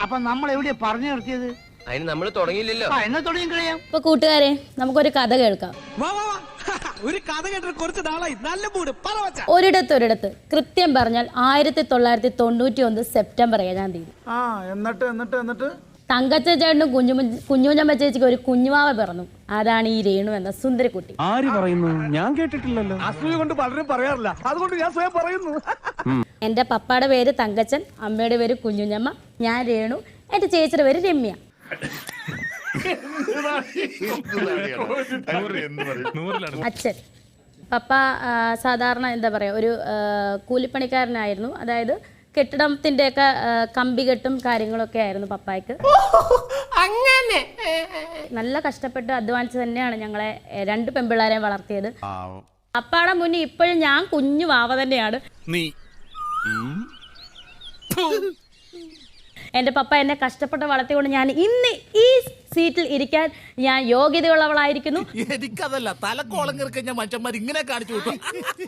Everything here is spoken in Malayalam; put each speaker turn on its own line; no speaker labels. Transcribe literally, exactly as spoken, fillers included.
അപ്പൊ നമ്മൾ എവിടെയാ പറഞ്ഞു നിർത്തിയത്?
അതിന് നമ്മൾ തുടങ്ങിയില്ലല്ലോ.
എന്നാ തുടങ്ങി കഴിയാം.
ഇപ്പൊ കൂട്ടുകാരെ നമുക്കൊരു കഥ കേൾക്കാം.
ഒരു കഥ കേട്ടിട്ട് കുറച്ച് നാളായി. നല്ല മൂഡ്.
ഒരിടത്ത് ഒരിടത്ത് കൃത്യം പറഞ്ഞാൽ ആയിരത്തി തൊള്ളായിരത്തി തൊണ്ണൂറ്റി ഒന്ന് സെപ്റ്റംബർ ഏഴാം തീയതി
ആ എന്നിട്ട് എന്നിട്ട് എന്നിട്ട്
തങ്കച്ച ചേട്ടനും കുഞ്ഞു കുഞ്ഞുഞ്ഞമ്മ ചേച്ചിക്ക് ഒരു കുഞ്ഞുമാവ പിറന്നു. അതാണ് ഈ രേണു എന്ന സുന്ദരിക്കുട്ടി.
ആര് പറയുന്നു? ഞാൻ കേട്ടിട്ടില്ലല്ലോ.
അസൂയ കൊണ്ട് പലരും പറയാറില്ല, അതുകൊണ്ട് ഞാൻ സ്വയം പറയുന്നു.
എന്റെ പപ്പയുടെ പേര് തങ്കച്ചൻ, അമ്മയുടെ പേര് കുഞ്ഞുഞ്ഞമ്മ, ഞാൻ രേണു, എന്റെ ചേച്ചിയുടെ പേര് രമ്യ. അച്ഛൻ പപ്പ സാധാരണ എന്താ പറയാ ഒരു കൂലിപ്പണിക്കാരനായിരുന്നു. അതായത് കെട്ടിടത്തിന്റെ ഒക്കെ കമ്പി കെട്ടും കാര്യങ്ങളൊക്കെ ആയിരുന്നു പപ്പായ്ക്ക്. അങ്ങനെ നല്ല കഷ്ടപ്പെട്ട് അധ്വാനിച്ച് തന്നെയാണ് ഞങ്ങളെ രണ്ട് പെൺപിള്ളേരെ വളർത്തിയത്. പപ്പാടെ മുന്നിൽ ഇപ്പോഴും ഞാൻ കുഞ്ഞു വാവ തന്നെയാണ്. എന്റെ പപ്പ എന്നെ കഷ്ടപ്പെട്ട് വളർത്തിക്കൊണ്ട് ഞാൻ ഇന്ന് ഈ സീറ്റിൽ ഇരിക്കാൻ ഞാൻ യോഗ്യതയുള്ളവളായിരിക്കുന്നു.
എനിക്കതല്ല, തലക്കോളം കിറക്കഞ്ഞ മനുഷ്യന്മാർ ഇങ്ങനെ കാണിച്ചു.